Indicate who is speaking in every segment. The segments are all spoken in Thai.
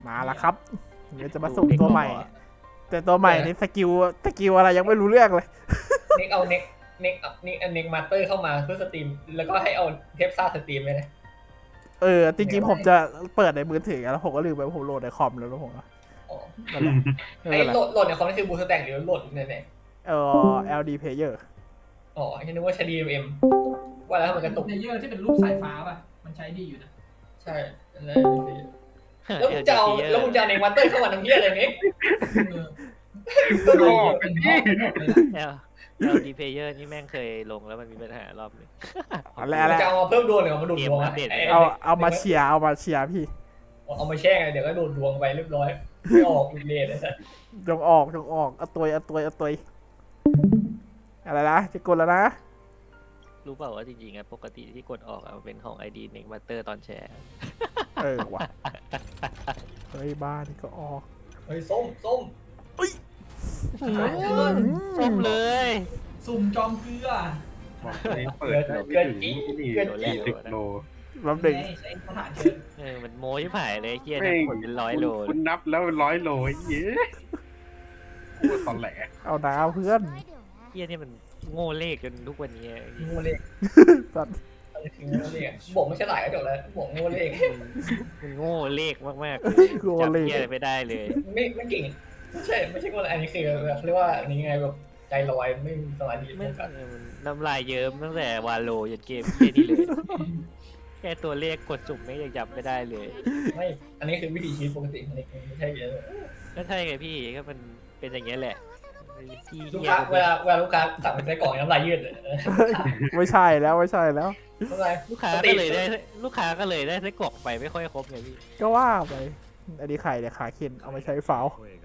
Speaker 1: มาแล้วครับเดี๋ยวจะมาสุ่มตัวใหม่ แต่ตัวใหม่นี่สกิลอะไรยังไม่รู้เรื่องเลย
Speaker 2: เน็กเอาเน็กมาสเตอร์เข้ามาเพื่อสตรีมแล้วก็ให้เอาเทปซ่าสตรีมไปนะ
Speaker 1: จริงๆผมจะเปิดในมือถือแล้วผมก็ลืมไปผมโหลดในคอมแล้วผมก็นั่นแหละ
Speaker 2: ไอ้โหลดในคอมนี่คือบูสแต็กหรือโหลดเนี่ย
Speaker 1: LD Player
Speaker 2: อ๋อฉันนึกว่าใช้ DMM ว่าแล้วมันกระตุก
Speaker 3: เพลเยอร์ที่เป็นรูปสายฟ้าป่ะมันใช้ดีอยู่นะ
Speaker 2: ใช่แล้วมึงจะเอาเน็กมาสเตอร์เข้ามาทำเหี้ยอะไรเน็ก
Speaker 3: ก็
Speaker 4: ดูออกกันที่
Speaker 5: ดีเพเยอร์นี่แม่งเคยลงแล้วมันมีปัญหารอบนึง
Speaker 1: อะไร
Speaker 2: จะเอามาเพิ่มดวงหรือมาดูดดวง
Speaker 1: เอามาเชียร์พี่
Speaker 2: เอามาแช่งเดี๋ยวก็ดูดดวงไปเรียบร้อยไม่ออกอีกเลยนะ
Speaker 1: จงออกเอาตัวอะไรนะจะกดแล้วนะ
Speaker 5: รู้เปล่าว่าจริงๆปกติที่กดออกมันเป็นของ ID เน็กมาสเตอร์ตอนแชร์
Speaker 1: ว่ะเฮ้ยบ้านี่ก็ออก
Speaker 2: เฮ้ยส้ม
Speaker 5: ส้มเลย
Speaker 3: สุ่มจอมเกลือ
Speaker 4: บอกเลยเปิดเกินที่10 โล
Speaker 1: รับหนึ่ง
Speaker 3: ใช้สถานเชิญ
Speaker 5: มันโม้ที่ผ่ายเลยเฮียนะผลเป็น100 โล
Speaker 4: คุณนับแล้ว100 โลเย้พูดตอนแหล
Speaker 1: เอาดาวเพื่อน
Speaker 5: เฮียนี่มันโง่เลขจนทุกวันนี้
Speaker 2: โง่เลข
Speaker 1: สัตว์
Speaker 2: โง่เลขบอกไม่ใช่หลายก็จบแล้วบอกโง่เลข
Speaker 5: มันโง่เลขมาก
Speaker 1: ๆจับ
Speaker 5: เฮียไม่ได้เลย
Speaker 2: ไม่เก่งไม่ใช่โง่อันนี้คือเขาเรียกว่าอันนี้ไงแบบใจลอยไม่มีสมาธิ
Speaker 5: ไม่กันน้ำลายเยิ้มตั้งแต่วาโลยันเกมเฮียนี่เลยแค่ตัวเลขกดสุ่มไม่ยังจับไม่ได้เลย
Speaker 2: ไม่อันนี้คือวิธีชีวิตปกติของเด็กไม่ใช่เยอะ
Speaker 5: ก็ใช่ไงพี่ก็มันเป็นอย่างเงี้ยแหละ
Speaker 2: ลูกค้าเวลาลูกค้าสั่งเป็นไส้กรอกน้ำลายยืดเลย
Speaker 1: ไม่ใช่แล้ว
Speaker 5: ลูกค้าก็เลยได้ไส้กรอกไปไม่ค่อยครบไงพี่
Speaker 1: ก็ว่าไปอันนี้ไข่เนี่ยขาเค็นเอามาใช้ฟาว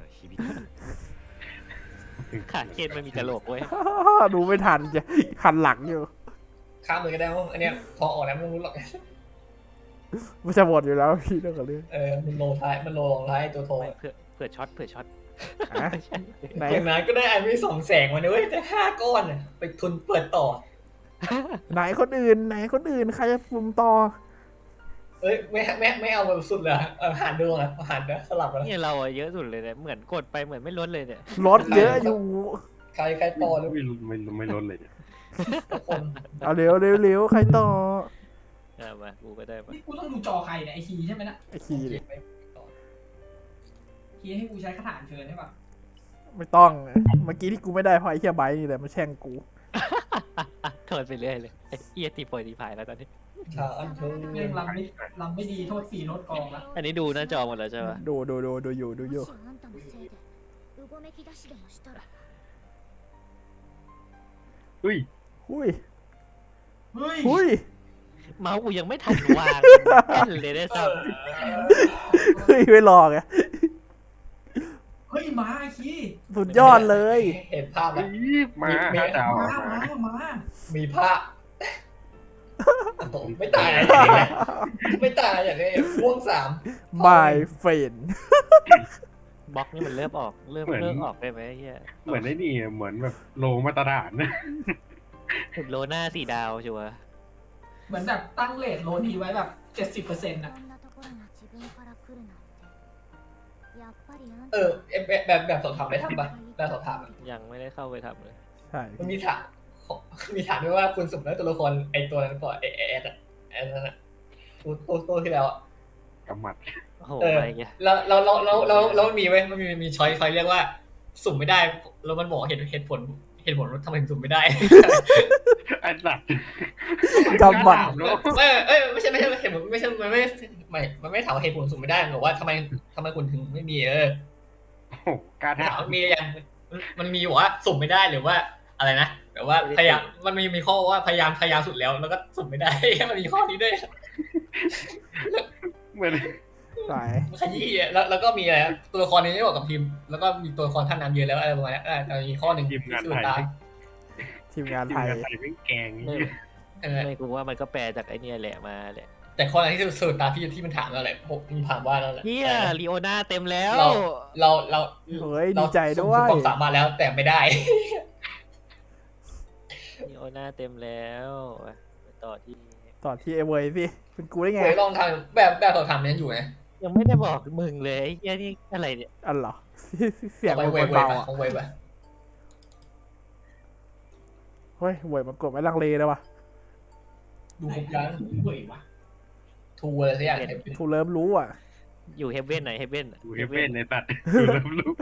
Speaker 5: ขาเค็นมันมีกระโหลกเว้ย
Speaker 1: ดูไม่ทันจะหันหลังอยู่
Speaker 2: ข้ามเลยก็ได้ว่าอันเนี้ยพอออกแล้วไม่รู้หรอก
Speaker 1: ไม่จะหมดอยู่แล้วพี่ต้องกับเรื่อง
Speaker 2: มันโลท้ายมันโลลงท้ายตัวโท
Speaker 5: เผื่อช็อต
Speaker 2: อย่างนั้นก็ได้ไอ้ไม่2 แสงมาเลยแต่5 ก้อนไปทุนเปิดต่อ
Speaker 1: ไหนคนอื่นใครจะฟุ่มต่อ
Speaker 2: ไม่เอาแบบสุดเลยหารดวงหารสลับกัน
Speaker 5: นี่เราเยอะสุดเลยเนี่ยเหมือนกดไปเหมือนไม่ลดเลยเนี่ย
Speaker 1: ลดเยอะอยู่
Speaker 2: ใครต่อหรือ
Speaker 4: ไม่ลดเลย
Speaker 1: คนเอาเร็วใครต่อ
Speaker 5: มากูก็ได้มา
Speaker 3: กูต้องดูจอใครเนี่ยไอคีใช่ไหมนะ
Speaker 1: ไอคีเลย
Speaker 3: คีให้กูใช้คาถาเชิญใช่ปะ
Speaker 1: ไม่ต้องเมื่อกี้ที่กูไม่ได้เพราะไอ้เหี้ยไบนี่แหละมาแช่งกู
Speaker 5: โทษไปเรื่อยเลยไอ้เหี้ยตีโปรตีพายแล้วตอนนี้
Speaker 3: เรื่องลำไม่ดีโทษ4 โทษกองละ
Speaker 5: อันนี้ดูหน้าจอหมดแล้วใช่ปะ
Speaker 1: ดูอยู่หุ้ย
Speaker 5: เมาส์กูยังไม่ทันวางเลยได้ซ้
Speaker 1: ำไม่รอไง
Speaker 3: เฮ้ยมาคี
Speaker 1: สุดยอดเลย
Speaker 2: เห็นภาพแล้ว
Speaker 4: มาดาว
Speaker 2: มีภาพไม่ตายอย่างนี้พ่วง3
Speaker 1: บายเฟน
Speaker 5: บล็อกนี่มันเริ่มออกได้ไหมเฮีย
Speaker 4: เหมือนไอ้นี่เหมือนแบบโลมาตรฐานนะ
Speaker 5: โลหน้า4 ดาวชัวร์
Speaker 3: เหมือนแบบตั้งเรทโลทีไว้แบบ 70%นะ
Speaker 2: แบบสอบถามได้ทำปะแบบสอบถาม
Speaker 5: ยังไม่ได้เข้าไปทำเลย
Speaker 1: ใช่
Speaker 2: มันมีถามด้วยว่าคุณสุ่มได้ตัวละครไอตัวนั้นก่อนไอแอดนั่นน่ะตัวที่แล้ว
Speaker 4: กำมัด
Speaker 2: แล้วมีไว้มันมีช้อยเรียกว่าสุ่มไม่ได้แล้วมันบอกเหตุผลว่าทำไมสุ่มไม่ได้
Speaker 4: ไอ้สัตว์
Speaker 1: กำมัด
Speaker 2: ไม่ใช่เหตุผลไม่ใช่มันไม่ถามเหตุผลสุ่มไม่ได้บอกว่าทำไมคุณถึงไม่มี
Speaker 4: การ
Speaker 2: ถามมีอย่างมันมีว่าสุ่มไม่ได้หรือว่าอะไรนะแต่ว่าพยายามมันมีข้อว่าพยายามสุดแล้วก็สุ่มไม่ได้มันมีข้อนี้ด้วย
Speaker 4: เหมือน
Speaker 2: ขยี้แล้วก็มีอะไรตัวละครนี้ไม่บอกกับทีมแล้วก็มีตัวละครท่านนำเยอะแล้วอะไรประมาณนี้แต่มีข้อหนึ่ง
Speaker 4: ทีมงานไทยไม่แกง
Speaker 5: ไม่กูว่ามันก็แปลจากไอเนี้ยแหละมาแหละ
Speaker 2: แต่ข้อนั้นที่สุดตาที่มันถามอะไรมันถามว่านั่นแหละ
Speaker 5: เฮียลีโอนาเต็มแล้ว
Speaker 2: เรา
Speaker 1: เฮ้ยดีใจด้วย
Speaker 2: ความสามารถแล้วแต่ไม่ได้
Speaker 5: ลีโอนาเต็มแล้วต่อที่
Speaker 1: เอเวย์สิเป็นกูได้ไง
Speaker 2: ลองทำแบบสอบถามนี้อยู่ไง
Speaker 5: ยังไม่ได้บอกมึงเลยไอ้เหี้ยนี่อะไรเนี่ย
Speaker 1: อันเหรอ เสียง
Speaker 2: ไป
Speaker 1: มัน
Speaker 2: เวฟ
Speaker 1: เบา
Speaker 2: ไป
Speaker 1: อ่ะ
Speaker 2: ของเวฟไป
Speaker 1: เฮ้ยเวยมันกดไม่ลังเลเลยว่ะ
Speaker 2: ดูครบยัง
Speaker 3: เว้ยวะ
Speaker 2: ทูอะไรสักอย่าง
Speaker 1: ทูเริ่มรู้อ่ะ
Speaker 5: อยู่เฮเว่นไหนเฮเว่น
Speaker 4: กูเฮเว่นในตัดกูเริ่มรู้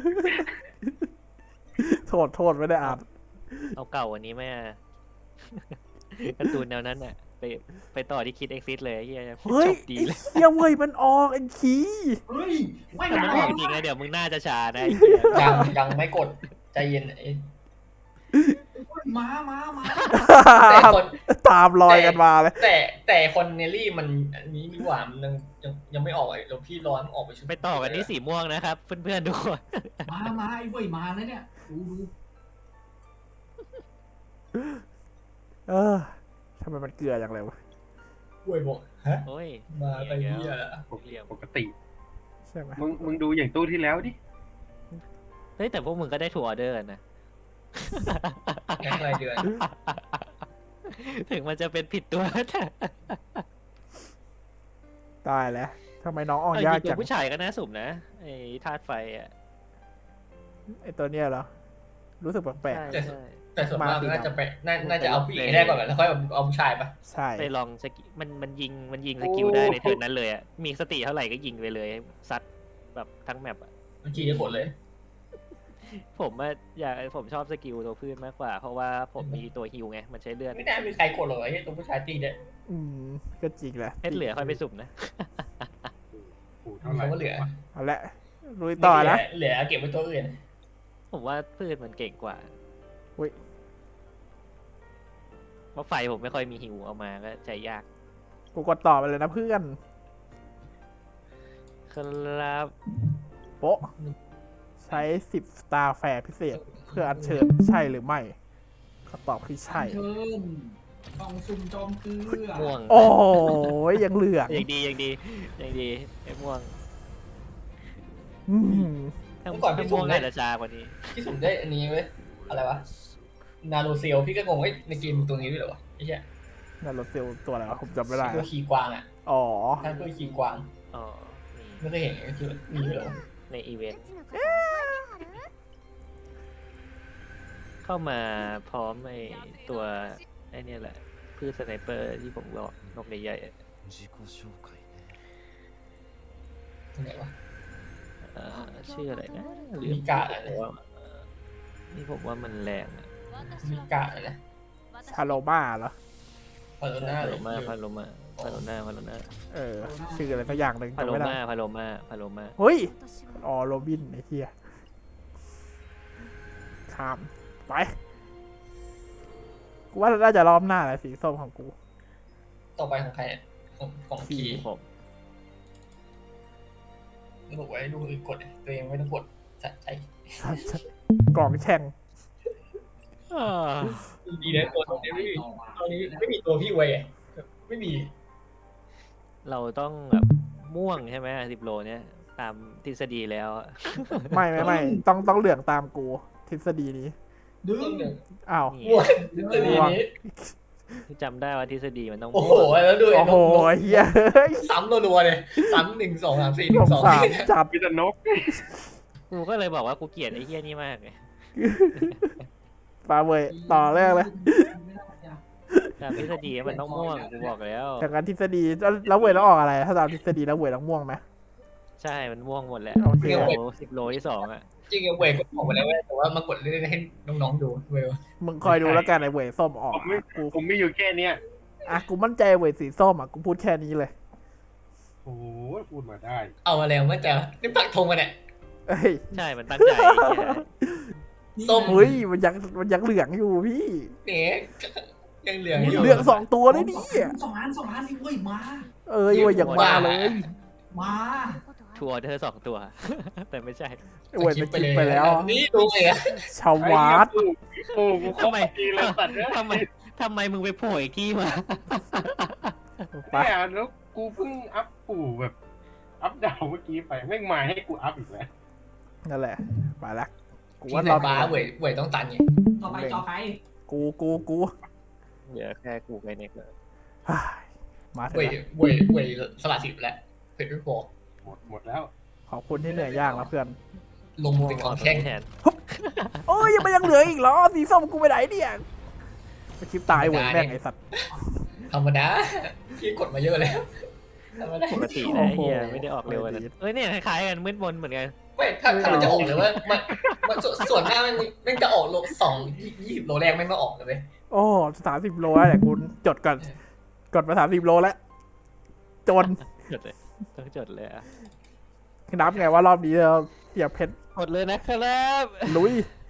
Speaker 1: โทษไม่ได้อ่าน
Speaker 5: เอาเก่าวันนี้ไหมอะ การ์ตูนแนวนั้นอ่ะไปต่อที่คิดเอ็กซิสเลยไอ้เหี้ย
Speaker 1: เฮ้ย
Speaker 5: จบดีเลย
Speaker 1: เฮียเวยมันออกไอ้ขี้
Speaker 3: เฮ้ยไม่
Speaker 5: แต่มัน
Speaker 3: ได้
Speaker 5: ออกจริงนะเดี๋ยวมึงน่าจะช้านะไอ้เหี้ย
Speaker 2: ยังไม่กดใจเย็น
Speaker 3: มา
Speaker 2: แต่คน
Speaker 1: ตามรอยกันมาเลย
Speaker 2: แต่คนเนลลี่มันอันนี้ดีกว่ามันยังไม่ออกเลยเดี๋ยวพี่ร้อนออกไปชุด
Speaker 5: ไปต่อกันที่สีม่วงนะครับเพื่อนๆทุกคน
Speaker 3: มาไอ้เว้ยมาแล้วเนี่ยดู
Speaker 1: เออทำไมมันเกลืออย่างไรวะ
Speaker 2: เว้ยบอกฮะ
Speaker 5: โอ้ย
Speaker 2: มาไปเหี้ย
Speaker 4: ปกติ
Speaker 1: ใช่ไหม
Speaker 4: มึงดูอย่างตู้ที่แล้วดิ
Speaker 5: เฮ้ยแต่พวกมึงก็ได้ทัวร์ออเดอร์นะ
Speaker 2: แค่รายเดือน
Speaker 5: ถึงมันจะเป็นผิดตัวแต่
Speaker 1: ตายแล้วทำไมน้องออก
Speaker 5: เอา
Speaker 1: ยาก
Speaker 5: จริงๆตั
Speaker 1: จั
Speaker 5: ว
Speaker 1: ง
Speaker 5: ผู้ชายก็น่าสุ่มนะไอ้ธาตุไฟอ่ะ
Speaker 1: ไอตัวเนี้ยเหรอ รู้สึกแปลก
Speaker 5: ใช่ใช่
Speaker 2: แต่ส่วนมากน่าจะไปน่าจะเอาผู้หญิงให้ได้ก่อนแล้วค่อยเอาผู้ชายปะ
Speaker 1: ๆใช่
Speaker 5: ไปลองสกิมันยิงสกิลได้ในเทิร์นนั้นเลยอ่ะมีสติเท่าไหร่ก็ยิงไปเลยซัดแบบทั้งแมปอ่ะ
Speaker 2: มันขี่ได้ผลเลย
Speaker 5: ผมชอบสกิลตัวพืชมากกว่า เพราะว่าผมมีตัวฮิวไงมันใช้เลือด
Speaker 2: ไม่ได้มีใครกดหรอกไอ้ตัวผู้ชายตีเนี่ย
Speaker 1: อืมก็จริงแหละ
Speaker 5: เพชรเหลือค่อยไปสุ่มนะ
Speaker 4: กูเท่าไหร่
Speaker 2: เขาก็เหลือ
Speaker 1: เอาละลุยต่อนะ
Speaker 2: เหลือเก็บไว้ตัวอื่น
Speaker 5: ผมว่าพืชมันเก่งกว่า
Speaker 1: อุ๊ย
Speaker 5: เพราะไฟผมไม่ค่อยมีฮิวเอามาก็ใจยาก
Speaker 1: กูกดต่อไปเลยนะเพื่อน
Speaker 5: ครับ
Speaker 1: โป๊ะ ใช้10 สตาร์แฟร์พิเศษ เพื่ออัญเชิญใช่หรือไม่คำตอบคือใช่
Speaker 3: เชิญกล่องซุ่มจอมเกลือ
Speaker 5: ม่วง
Speaker 1: โอ้ยยังเหลือง
Speaker 5: ยังดีไอ้ม่วง
Speaker 1: อืม
Speaker 5: ถ้าม่วงอาจจะจากว่านี้
Speaker 2: ที่สุ่มได้อันนี้เว้ยอะไรวะนาโรเซลพี่ก็งงว่าในเกมตัวนี้ด้วยเหรอวะไอ้เหี้ย
Speaker 1: นั่นรถเซลตัวอะไรวะผมจำไม่ได้
Speaker 2: ตัวขี่กวางอ่ะ
Speaker 1: อ๋อ
Speaker 2: ท่านตัวขี่กวาง
Speaker 5: อ๋อ
Speaker 2: ไม่เคยเห็นคือมีด้วยเหรอ
Speaker 5: ในอีเวนต์เข้ามาพร้อมไอ้ตัวไอ้เนี่ยแหละพืชสไนเปอร์ที่ผมบอกนกใหญ่ๆอะ
Speaker 2: ที่ไหนวะ
Speaker 5: ชื่ออะไรนะลื
Speaker 2: มีกะอะไร
Speaker 5: นี่ผมว่ามันแรงอะ
Speaker 2: มีกะอะไรนะ
Speaker 1: ชาโลมาเหรอ
Speaker 2: พาโลน่า
Speaker 5: พา
Speaker 2: เล
Speaker 5: โล
Speaker 2: ย
Speaker 5: มาพาโลมาพาโลนาพาโลนา
Speaker 1: เออ ชื่ออะไรสักอย่างหนึ่ง
Speaker 5: พา
Speaker 1: จำ
Speaker 5: โล
Speaker 1: ไม่ได้
Speaker 5: มาพาโลมาพาโลมา
Speaker 1: เฮ้ย อ๋อโรบินไอ้เหี้ยข้าม ไป กูว่าน่าจะรอบหน้าแหละสีส้มของกู
Speaker 2: ต่อไปของใครเนี่ยของพี
Speaker 5: ผม
Speaker 2: บอกไว้ดูอื่นกดตัวเองไม่ต้องกดสะใจ
Speaker 1: กล่องแช่ง
Speaker 2: ดีนะตัวนี้ไม่มีตัวนี้ไม่มีตัวพี่ไว้ไม่มี
Speaker 5: เราต้องแบบม่วงใช่ไหม10 โลเนี่ยตามทฤษฎีแล้วอะ
Speaker 1: ไม่ต้องเหลืองตามกูทฤษฎีนี้
Speaker 3: ดึง
Speaker 2: ต้นหนึ่ง
Speaker 1: อ้าว
Speaker 5: นี่
Speaker 2: ม่วงตัวนี้
Speaker 5: จำได้ว่าทฤษฎีมันต้อง
Speaker 2: โอ้
Speaker 5: ม่
Speaker 2: โห
Speaker 5: วง
Speaker 2: แล้วดู
Speaker 1: โอ้โหเฮียเฮ้ย
Speaker 2: ซ้ำรัวๆเลยซ้ำ1 2 3 4
Speaker 1: สง
Speaker 2: 1 2
Speaker 1: สารจัด
Speaker 4: มีแต่นก
Speaker 5: กูก็เลยบอกว่ากูเกลียดไอ้เหี้ยนี่มากเลย
Speaker 1: ปาเวยต่อแรกเลย
Speaker 5: ตามทฤษฎีมันต้องม่วงกูบอกแล้ว
Speaker 1: จากการทฤษฎีแล้วเวยต้องออกอะไร ถ้าตามทฤษฎีแล้วเวยต้องม่วงไหม
Speaker 5: ใช่มันม่วงหมดแหละ
Speaker 1: โอเค
Speaker 5: 10 โลที่ 2อ่ะ
Speaker 2: จริงๆเวก็บอกไปแล้วแต่ว่ามากดเล่นให้น้องๆดูเว
Speaker 1: มึงคอยดูแล้วกันไอ้เวยส้มออกกู
Speaker 4: ผมมีอยู่แค่เนี้ย
Speaker 1: อ่ะกูมั่นใจเวยสีส้มอ่ะกูพูดแค่นี้เลย
Speaker 4: โอ้โหพูดมาได้
Speaker 2: เอามาแล้วเมื่อแต่นี่ปักธงกันเนี่ย
Speaker 1: เอ้ย
Speaker 5: ใช่มันตั้งใจไอ้เหี้ย
Speaker 2: ส้ม
Speaker 1: เฮ้ยมันยังเหลืองอยู่พี่
Speaker 2: เนี่ยยังเหลืองอยู่
Speaker 1: เหลือง2 ตัวเลยดิ
Speaker 3: 2 ล้านนี่เว้ยมา
Speaker 1: เอ้ยเวยอย่างมาเลย
Speaker 3: มา
Speaker 5: ทัวร์เธอ2 ตัว แต่ไม่ใช่
Speaker 1: เวยมันกินไปแล้ว
Speaker 2: นี่ดูเลยอะ
Speaker 1: ชาววาด
Speaker 4: โอ้กูเข้าไปดีเลยสัตว์เนี่ย
Speaker 5: ทำไมมึงไปโผล่อีกที่มา
Speaker 1: ไป
Speaker 4: เนี่ยแล้วกูเพิ่งอัพปู่แบบ อัพดาวเมื่อกี้ไปแม่งมาให้กูอัพอีกแล้ว
Speaker 1: นั่นแหละไปละกู
Speaker 2: ที่
Speaker 1: ว่า
Speaker 2: ไหน
Speaker 1: เรา
Speaker 2: บ้าเวยต้องตันไง
Speaker 3: ต่อไปจอใคร
Speaker 1: กู
Speaker 5: เหลือแค่กูไกเน็กเลย
Speaker 1: เฮ้ยมาเถ
Speaker 2: เวย
Speaker 1: อะ
Speaker 2: สละสิบแล้วเผ็ดไม่พอ
Speaker 4: หมดแล้ว
Speaker 1: ขอบคุณที่เหนื่อยยากนะเพื่อน
Speaker 2: ลงมือเป็นของแข้ง
Speaker 5: แทน
Speaker 1: โอ้ยยังเหลืออีกเหรอสีส้มกูไปไหนเนี่ยไปคลิปตายเว้ยแม่งไอสัตว์
Speaker 2: ธรรมดาพี่กดมาเยอะแล้วธรรมดา
Speaker 5: ปกตินะไอ้เฮียไม่ได้ออกเร็วขนาดนั้นเอ้ยเนี่ยคล้ายๆกันมืดมนเหมือนกัน
Speaker 2: ไม่ถ้ามันจะออกเลยว่ามันส่วนหน้ามันจะออกโล20 โลแรกไม่มาออกเลย
Speaker 1: โอ้30 โลแล้วแหละกูจดก่อนกดมา30 โลแล้วจน
Speaker 5: จดเลยต้องจดเลยอ่ะ
Speaker 1: นับไงว่ารอบนี้เราเสียบเพชร
Speaker 5: กดเลยนะครับ
Speaker 1: ลุย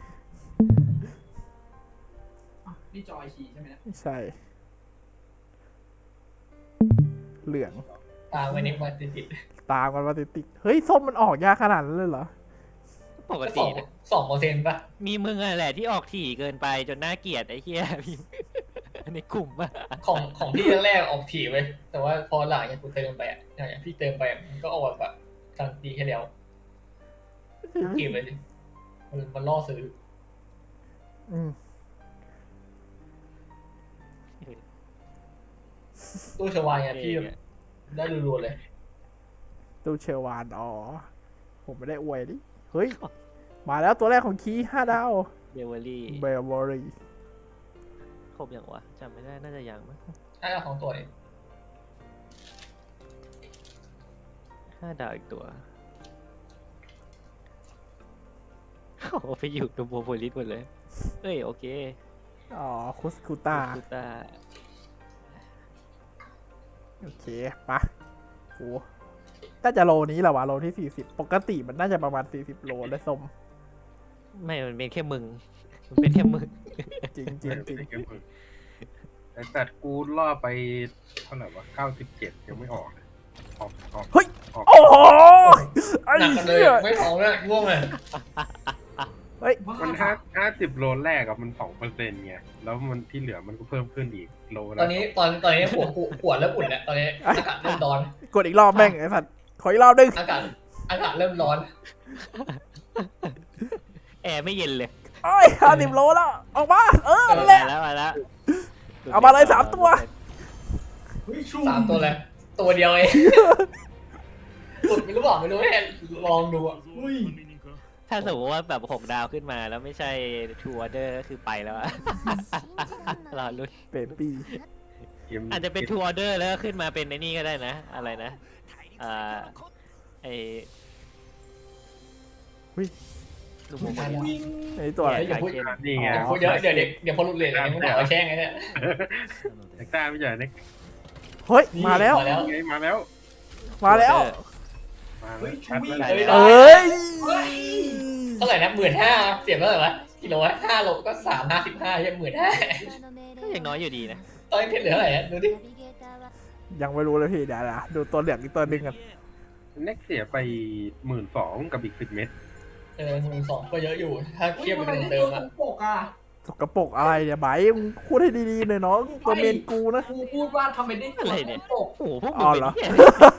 Speaker 3: นี่จอยคีย์ใช่ไหมเนี่ย
Speaker 1: ไม่ใช่ เหลือง
Speaker 2: ตามไว้ในมาติด
Speaker 1: ตามกันมาติดๆเฮ้ยส้มมันออกยากขนาดนั้นเลยเหรอ
Speaker 5: ปก
Speaker 2: ๆ
Speaker 5: ตินะ
Speaker 2: 2%ป่ะ
Speaker 5: มีมึงอะแหละที่ออกถี่เกินไปจนน่าเกลียดไอ้เฮียพี่ในกลุ่มอะ
Speaker 2: ของพี่แรกๆออกถี่ไว้แต่ว่าพอหลังอย่างกูเติมไปอ่ะอย่างพี่เติมไปมันก็ออกแบบกลางปีแค่แล้วเก็บเลยดิมันล่อซื้อ
Speaker 1: อืม
Speaker 2: ตู้ชวายไงพี่ได้รัวๆเลย
Speaker 1: ตู้เชลวานอ๋อผมไม่ได้อวยดิเฮ้ย มาแล้วตัวแรกของคี5 ดาว
Speaker 5: เดวอรี่
Speaker 1: เบลวอรี่
Speaker 5: ครบยังวะจำไม่ได้น่าจะยังมั้ง
Speaker 2: ใช่ของตัวนี้
Speaker 5: 5 ดาวอีกตัวโอ้โหไปอยู่ตัวโบโพลิสหมดเลยเอ้ยโอเค
Speaker 1: อ๋อคุสคูต้า
Speaker 5: คูต้า
Speaker 1: โอเคปะโหน่าจะโลนี้แหละวะโลที่40ปกติมันน่าจะประมาณ40 โลเลยส้ม
Speaker 5: ไม่มันเป็นแค่มึงมันเป็นแค่มึง
Speaker 1: จริงจริงจริง
Speaker 4: แต่ตัดกูล่อไปเท่าไหร่วะ97ยังไม่ออกเลยออก
Speaker 1: โอ้โหไอ้
Speaker 2: หนักกันเลย
Speaker 1: เหี้ย
Speaker 2: ไม่พอแล้วง่วงเลย
Speaker 1: เฮ้ย
Speaker 3: ว่า
Speaker 4: มัน50 โลแรกอะมัน 2%ไงแล้วมันที่เหลือมันก็เพิ่มขึ้นอีกโล
Speaker 2: ต
Speaker 4: ละ
Speaker 2: อนนี้ปวดแล้วอุ่นแล้วตอนนี้อากาศเริ่มร้อน
Speaker 1: กดอีกรอบแม่งไอ้สัตว์ขออีกรอบนึง
Speaker 2: อากาศเริ่มร้อน
Speaker 5: แอร์ไม่เย็นเลย
Speaker 1: โอ้ย50 โลแล้วออกมานั่นแหละ
Speaker 5: มาแล้ว
Speaker 1: เอามาเลย3 ตัว
Speaker 3: เฮ้ยชุ่ม
Speaker 2: 3 ตัวเลยตัวเดียวเองสุดไม่รู้บอกไม่รู้ให้ลองดูอ่ะ
Speaker 3: อุ้ย
Speaker 5: ถ้าสมมติว่าแบบ6 ดาวขึ้นมาแล้วไม่ใช่ทูออเดอร์คือไปแล้วอะ รอลุ้น
Speaker 1: เบบี้
Speaker 5: อาจจะเป็นทูออเดอร์แล้วก็ขึ้นมาเป็นไอ้นี่ก็ได้นะ อะไรนะไอ
Speaker 1: วิ
Speaker 5: ลูกโมมัน
Speaker 3: วิ่ง
Speaker 1: ไอ้ตัวอะไร
Speaker 2: อย่าพูด
Speaker 4: นี่ไง
Speaker 1: อ๋อ
Speaker 2: เดี๋ยวพอหลุดเลยเนี่ยมึงหาว่าแช่งไงเนี่ย
Speaker 4: เอ็กซ์ต้าไม่ใช่เน็ก
Speaker 1: เฮ้ยมาแล้ว
Speaker 2: มาแล้ว
Speaker 4: ไงมาแล้ว
Speaker 1: มาแล้ว
Speaker 4: มา
Speaker 3: เฮ้
Speaker 4: แล้ว
Speaker 3: ย
Speaker 4: ชัด
Speaker 3: วิ่ง
Speaker 4: แล้ว
Speaker 3: เลย
Speaker 1: เอ้ย
Speaker 3: เฮ้ย
Speaker 2: เท่าไหร่นะ15,000เสียบเท่าไหร่วะกิโล5 โลก็355ยัง15,000
Speaker 5: ก็ยังน้อยอยู่ดีนะ
Speaker 2: ตอนนี้เพชรเหลือเท่าไหร่อะดูดิ
Speaker 1: ยังไม่รู้เลยพี่เดี๋ยวนะดูตัวเหลืองอีกตัวหนึงกัน
Speaker 4: เน็กเสียไป12,000กับอีก10 เม็ด
Speaker 2: 12,000ก็เยอะอยู่ ถ้า
Speaker 3: เฮ้
Speaker 2: เที
Speaker 3: ย
Speaker 2: ยบ
Speaker 3: มัน
Speaker 2: เป็น
Speaker 3: ไม่
Speaker 2: เดิ
Speaker 3: ตัว
Speaker 2: ม
Speaker 3: ตร
Speaker 2: อะ
Speaker 3: งปกอ่ะ
Speaker 1: สกปรกอะไรเนี่ยไบร์ทมึงพูดให้ดีๆหน่อยน้องตัวเมนกูนะ
Speaker 3: กูพูดว่าทำไมได้ตัวตรงปก
Speaker 5: โอ้โหพวกมึ
Speaker 1: อ๋
Speaker 5: ง
Speaker 1: อ
Speaker 5: เป็น
Speaker 1: เหรอ
Speaker 5: เหี้ย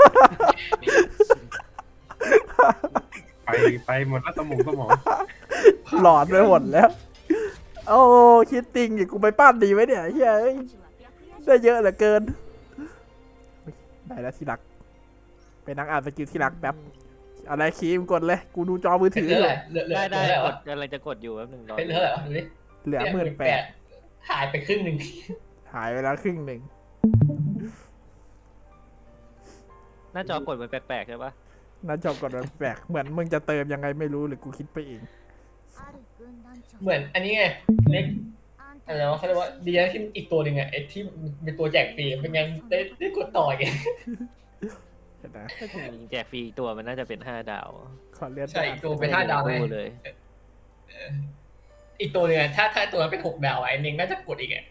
Speaker 4: ไปหมดแล้วสมอง
Speaker 1: หลอนไปหมดแล้ว โอ้คิดติงอีกกูไปปั้นดีไหมเนี่ยเฮ้ยได้เยอะเหลือเกินได้แล้วที่รักเป็นนักอ่านสกิลที่รักแป๊บอะไรคีมกดเลยกูดูจอมือ
Speaker 2: เพช
Speaker 1: ถื
Speaker 2: ร
Speaker 1: อ
Speaker 2: เหลือ
Speaker 1: อยู่
Speaker 2: เท่าไหร่เหลือ
Speaker 5: ได้ได้
Speaker 2: เท่าไหร่
Speaker 5: ก
Speaker 2: วะ
Speaker 5: ดกำลังจะกดอยู่แป๊บหนึงรอ
Speaker 2: เพชรเหลือเท่าไหร่วะดูดิ
Speaker 1: เหลือ18,000
Speaker 2: หายไปครึ่งหนึ่ง
Speaker 1: หายไปแล้วครึ่งหนึ่ง
Speaker 5: หน้าจอกดมันแปลกๆใช่ปะ
Speaker 1: หน้าจอกดมันแปลกเหมือนมึงจะเติมยังไงไม่รู้หรือกูคิดไปเอง
Speaker 2: เหมือนอันนี้ไงเล็กอะไรวะเขาเรียกว่าดีนะที่อีกตัวหนึ่งอะไอ้ที่เป็นตัวแจกฟรีเป็นไงได้กดต่อไง
Speaker 1: เห็นไหม
Speaker 5: ถ้าจริงๆแจกฟรีอีกตัวมันน่าจะเป็น5 ดาว
Speaker 1: ขอเลื่อน
Speaker 2: ใช่อีกตัวเป็น5 ดาวไง
Speaker 5: คู่เลย
Speaker 2: อีกตัวหนึงอะถ้าตัวนั้นเป็น6 ดาวอะไอ้เน่งน่าจะกดอีกอะ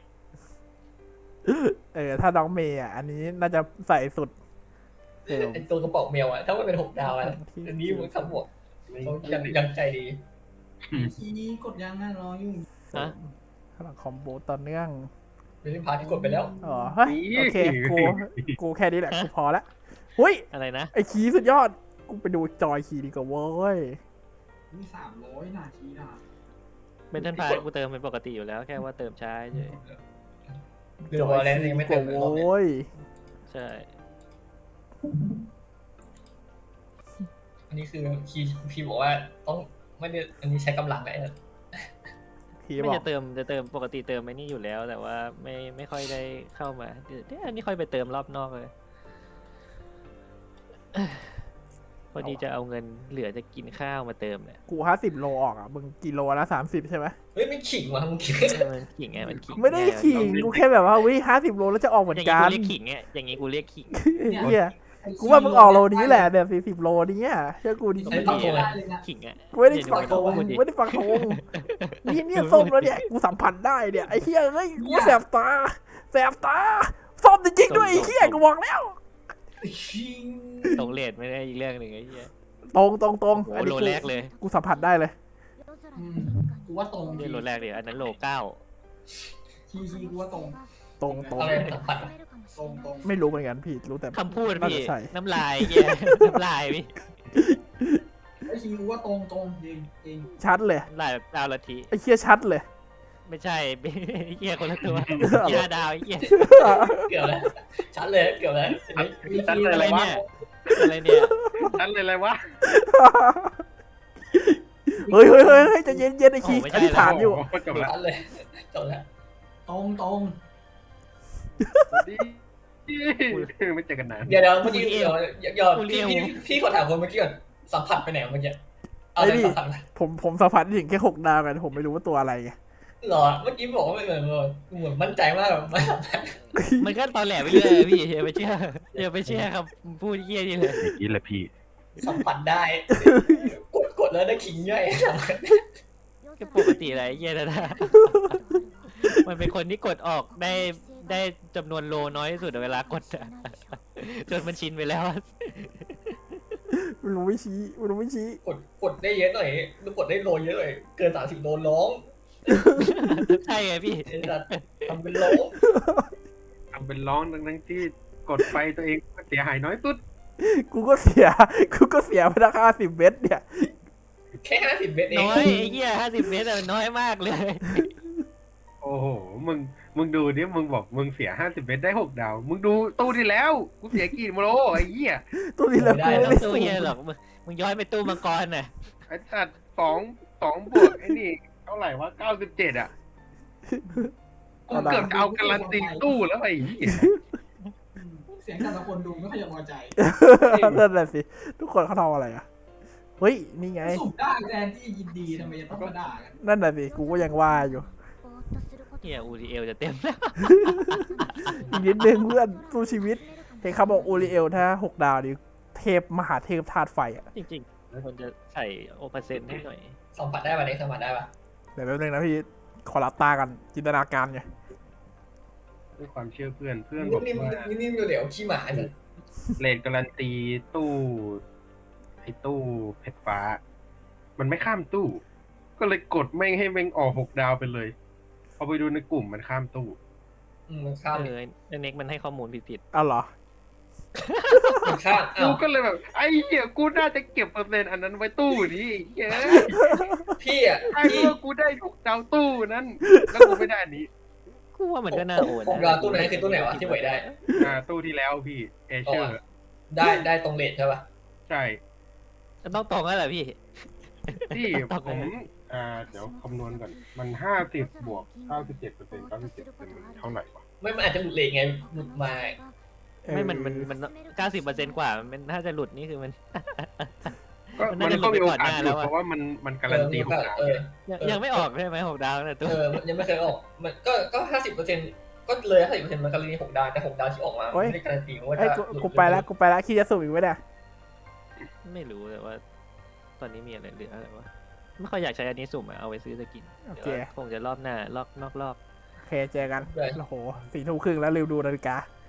Speaker 1: ถ้าน้องเมย์อ่ะอันนี้น่าจะใส่สุด
Speaker 2: ไอ้ตัวกระเป๋าเมลอะถ้ามันเป็น6 ดาวอะอันนี้มันขบวกเขายังใจดี
Speaker 3: คีย์กดยังอ่ะรออยู่
Speaker 5: ฮะ
Speaker 1: พลังคอมโบต่อเนื่อง
Speaker 2: เป็นพาร์ทที่กดไปแล้ว
Speaker 1: อ๋อเฮ้ยโอเคกูแค่นี้แหละกูพอละหุ้ย
Speaker 5: อะไรนะ
Speaker 1: ไอคีย์สุดยอดกูไปดูจอยคีย์ดีกว่าเว้ย
Speaker 3: มี300นาทีน่ะ
Speaker 5: เป็นทันพากูเติมเป็นปกติอยู่แล้วแค่ว่าเติมช้าเฉย
Speaker 2: เดี๋ยววอลเลนยังไม่เต็มเลยรอบเนี้ย
Speaker 1: โว้ย
Speaker 5: ใช่
Speaker 2: นนี้คือพีบอกว่าต้องไม่ได้อันนี้ใช้กำลังไง
Speaker 1: พี่
Speaker 5: ไม่
Speaker 1: บอก
Speaker 5: จะเติมปกติเติมไอ้นี่อยู่แล้ว แต่ว่าไม่ค่อยได้เข้ามาเดี๋ยวอันนี้ค่อยไปเติมรอบนอกเลยพอดีจะเอาเงินเหลือจะกินข้าวมาเติมเนี่ย
Speaker 1: กู50 โลออกอ่ะมึงกิโลละ30ใช่ไหม
Speaker 2: เฮ้ยไม่ขิงว่ะมึงขิง
Speaker 5: มันขิงไงมันขิง
Speaker 1: ไม่ได้ขิงกูแค่แบบว่าวิ50 โลแล้วจะออกเหมื
Speaker 5: อ
Speaker 1: อน
Speaker 5: ย่าง
Speaker 1: กั
Speaker 5: นี้
Speaker 1: น
Speaker 5: กูเรียกขิงไงอย่างนี้กูเรียกขิง
Speaker 1: เฮียกูว่ามึงออกโลนี้แหละแบบ40 โลนี้อ่ะเชื่อกูดิ
Speaker 3: ใช้ปักโกได้เลยนะ
Speaker 5: ขิงอ่ะ
Speaker 1: กูไม่ได้
Speaker 5: เยว
Speaker 1: ฟัง
Speaker 5: ห
Speaker 1: ธ
Speaker 5: นู
Speaker 1: ง
Speaker 5: พูดดิ
Speaker 1: ไม่ได้ฟังธงเนี่ยส้มแล้วเนี่ยกูสัมผัสได้เนี่ยไอ้เฮียเฮ้ยกูแสบตาส้มจริงๆด้วยไอ้เฮียกูบอกแล้ว
Speaker 3: ชิง
Speaker 5: ตรงเลทไม่ได้อีกเรื่องหนึ่งไอ้เหี้ย
Speaker 1: ตรง
Speaker 5: โอ้
Speaker 1: อัน
Speaker 5: โห
Speaker 1: นี้
Speaker 5: โลแรกเลย
Speaker 1: กูสัมผัสได้เลย
Speaker 3: กูว่าตรง
Speaker 5: ไม่ใช่โลแรกเดี๋ยวอันนั้นโลเก้า
Speaker 3: ทีกูว่าตรง
Speaker 1: ตรง
Speaker 2: อะไรสัมผัส
Speaker 3: ตรง
Speaker 1: ไม่รู้เหมือนกันพี่รู้แต่
Speaker 5: คำพูด
Speaker 1: น่า
Speaker 5: พี่
Speaker 1: จะใช่
Speaker 5: น้ำลายเหี้ยน้ำลายพี่
Speaker 3: ไอ้ทีกูว่าตรงจริง
Speaker 1: ชัดเลย
Speaker 5: น้ำลายแบบดาวละที
Speaker 1: ไอ้เฮียชัดเลย
Speaker 5: ไม่ใช่ ไอ้เหี้ยคนละตัวเหี้ยดาวไอ้เหี้ย
Speaker 2: เกี่ยวแล้วชัดเลยเกี่ยวแล้ว
Speaker 4: ชั้นเลยอะไรวะ
Speaker 5: อะไรเนี่ย
Speaker 4: ชั้นเลยอะไรวะ
Speaker 1: เฮ้ยใจะเย็นไอ้คีอธิษฐานอยู่
Speaker 4: โจบละ
Speaker 2: ชัดเลยจบแล้ว
Speaker 3: ตรง
Speaker 4: ดีไม่เจอกันนาน
Speaker 2: เดี๋ยวเมื่อกี้เดี๋ยวพี่ขอถามคนเมื่อกี้ก่อนสัมผัสไปไหนเมื่อกี้เอาอะไรสัมผัส
Speaker 1: ผมสัมผัสถึงแค่6 ดาวกันผมไม่รู้ว่าตัวอะไรไง
Speaker 2: หรอเมื่อกี้บอกว่าไม่เหมือนมั่นใจมากไม่สัมผัส
Speaker 5: มันก็ตอนแหลไปเรื่อยพี่อย่าไปเชื่อครับพูดเหี้ยนี่เลย
Speaker 4: อย่างนี้แหละพี่
Speaker 2: สัมผัสได้กดแล้วได้ขิงย่อย
Speaker 5: ก็ปกติอะไรเหี้ยนะ มันเป็นคนที่กดออกได้จำนวนโลน้อยที่สุดเวลากดอะจนมันชินไปแล้ว
Speaker 1: ไม่รู้ไม่ชี้
Speaker 2: กดได้เยอะหน่อยกดได้โลเยอะหน่อยเกิน30 โลร้อง
Speaker 5: ใช่ไงพี่
Speaker 2: ทำเป็นร้อง
Speaker 4: ทำเป็นร้องทั้งที่กดไปตัวเองเสียหายน้อยสุด
Speaker 1: กูก็เสียไปราคา10 เม็ดเนี่ย
Speaker 2: แค่50 เมตรเอง
Speaker 5: น้อยไอ้เหี้ย50 เมตรมันน้อยมากเลย
Speaker 4: โอ้โหมึงดูดิมึงบอกมึงเสีย50 เมตรได้6 ดาว มึงดูตู้ที่แล้วกูเสียกี่โลไอ้เหี้ย
Speaker 1: ตัวนี้แล้ว
Speaker 5: ไม่
Speaker 1: กู
Speaker 5: ต้อ
Speaker 1: ไม่
Speaker 5: งตู้
Speaker 1: สูง
Speaker 5: เหี้ยหรอกมึงย้อนไปตู้มังกรน่ะ
Speaker 4: ไอ้สัตว์2บวกไอ้นี่เท่าไหร่วะ97อ่ะกูเกือบจะเอาการันตีตู้แล้วไอ้เหี้ย
Speaker 3: เสียงแต่ละคนดูไม่ค่อยจะพอใจ
Speaker 1: นั่นแหละสิทุกคนเขาทำอะไรอ่ะเฮ้ยนี่ไง
Speaker 3: สุ่มได้แทนที่ยินดีทำไมจะต้องมาด่ากัน
Speaker 1: นั่นแหละสิกูก็ยังว่าอยู่
Speaker 5: เหี้ย UTL จะเต็มแล้ว
Speaker 1: อีกนิดนึงเพื่อนสู้ชีวิตเห็นเขาบอกโอริเอลถ้า6 ดาวดิเทพมหาเทพธาตุไฟอ่ะ
Speaker 5: จริงๆคนจะใส่โอเปอร์เซ็นต์ให้หน่อย
Speaker 2: สัมผัสได้ป่ะเนี่ยสัมผัสได้ป่ะ
Speaker 1: เดี๋ยวแป๊บนึงนะพี่ขอรับตากันจินตนาการไง
Speaker 4: ด้วยความเชื่อเพื่อนบอก
Speaker 2: นิ่ม
Speaker 4: ว่า
Speaker 2: ๆนิ่มๆเดี๋ยวขี้หมาเนี่ย
Speaker 4: เรทการันตีตู้ไอ้ตู้เพชรฟ้า มันไม่ข้ามตู้ ก็เลยกดไม่ให้แม่งออก6 ดาวไปเลยพอไปดูในกลุ่มมันข้ามตู้
Speaker 2: มันข้าม
Speaker 5: ไอ้เน็กมันให้ข้อมูลผิด
Speaker 1: อ้าวเหรอ
Speaker 2: มันข้าม
Speaker 4: กูก็เลยแบบไอ้เหี้ยกูน่าจะเก็บเปอร์เซ็นต์อันนั้นไว้ตู้นี้เหี้ย
Speaker 2: พี่อ่ะ
Speaker 4: ไอ้
Speaker 2: พี่
Speaker 4: เมื่อกูได้6 ดาวตู้นั้นแล้วกูไม่ได้อันนี้
Speaker 5: ๆกูว่ามันก็น่าโอน
Speaker 2: ผมรอตู้ไหนคือตู้ไหนวะที่ไหวได้
Speaker 4: ตู้ที่แล้วพี่เอเชอร์
Speaker 2: ได้ตรงเลทใช่ป่ะ
Speaker 4: ใช่
Speaker 5: มันต้องตรงแล้วแหละพี่
Speaker 4: ที่ผมเดี๋ยวคำนวณก่อนมัน50 บวก 97% 97%มันเท่าไหร่วะ
Speaker 2: ไม่มันอาจจะหลุดเลทไงหลุดมา
Speaker 5: ไม่มัน90%กว่ามันถ้าจะหลุดนี่คือมัน
Speaker 4: ก็
Speaker 5: มัน
Speaker 4: มั
Speaker 5: น่าน จะ
Speaker 4: ก็มีโอ
Speaker 5: หลุดไปก่อนห
Speaker 4: กาส
Speaker 5: น้า
Speaker 4: หลุด
Speaker 5: แล้วอะ
Speaker 4: เพราะว่ามันการันตี6 ดาว
Speaker 5: ยังไม่ออกใช่ไหม6 ดาวนะตัว
Speaker 2: ยังไม่เคยออกมันก็50%ก็เลย50%มันการันตี6 ดาวแต่6 ดาวที่ออกมาไม่ได้การันตีว่า
Speaker 1: ไอ้ย
Speaker 2: จะ
Speaker 1: กูไปแล้วคิดจะสูบอีกไหมเนี่ย
Speaker 5: ไม่รู้แต่ว่า ตอนนี้มีอะไรเหลืออะไรวะไม่ค่อยอยากใช้อันนี้สุ่มอะเอาไปซื้อสกิน
Speaker 1: โอเค
Speaker 5: เดี๋ยวคงจะรอบหน้านอกรอบ
Speaker 1: โอเคเจอกันโอ้โห4 ทุ่มครึ่งแล้วลืมดูนาฬิกา